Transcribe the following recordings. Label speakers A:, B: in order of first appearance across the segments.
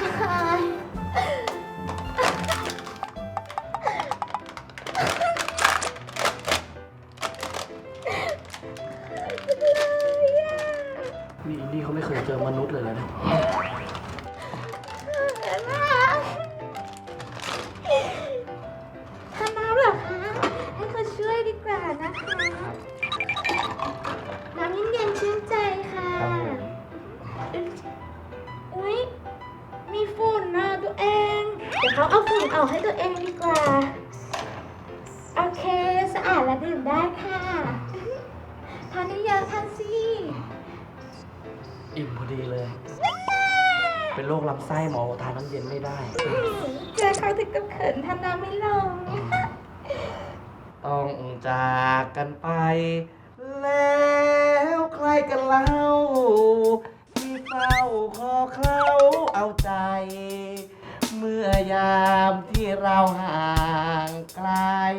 A: นี่อินดี้เขาไม่เคยเจอมนุษย์เลยนะ
B: ทำน้ำเหรอคะให้เขาช่วยดีกว่านะคะน้ำเย็นๆชื่นใจค่ะอุ๊ยมีฝุ่นนะตัวเองเดี๋ยวเขาเอาฝุ่นออกให้ตัวเองดีกว่าโอเคสะอาดและดื่มได้ค่ะทานได้เยอะทานสิ
A: อิ่มพอดีเลย เป็นโรคลำไส้หมอทานน้ำเย็นไม่ได้
B: เจอเขาถึงกับเขินทำน้ำไม่ลง
A: ต้องจากกันไป แล้วใครกันเล่าที่เฝ้าขอเขาเอาใจ เมื่อยามที่เราห่างไกล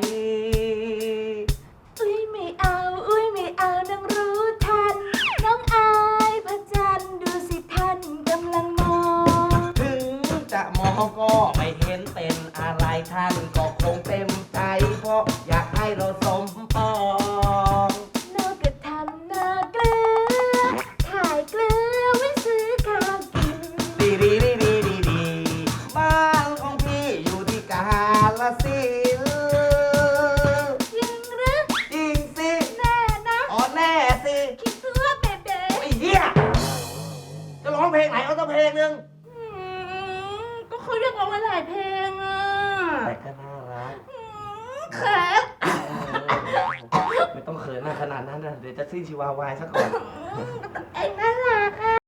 B: อุ้ยไม่เอาอุ้ยไม่เอาน้องรู้ทันน้องอายพระจันทร์ดูสิท่านกำลังมอง
A: ถึงจะมองก็ไม่เห็นเป็นอะไรท่านก็คงเต็มใจ เพราะอยากให้เราสมปอง
B: นอกกระทำนาเกลือขายเกลือไว้ซื้อข้าวกิน
A: ดีดีดีดีดีดีบ้านของพี่อยู่ที่กาฬสินธุ์
B: จริงหรือ
A: จริงสิ
B: แน่นะ
A: อ๋อแน่สิ
B: คิดตัวเบเบ้
A: ไอ้เหี้ยจะร้องเพลงไหนเอาสักเพลงหนึ่ง
B: ก็เขาเรียกร้องหลายเพลงอ่ะ
A: แต่ก็น่ารัก
B: เขิน
A: ไม่ต้องเขินหน้าขนาดนั้นนะเดี๋ยวจะสิ้นชีวาวายซะก่อน
B: เอ็งน่ารักอ่ะ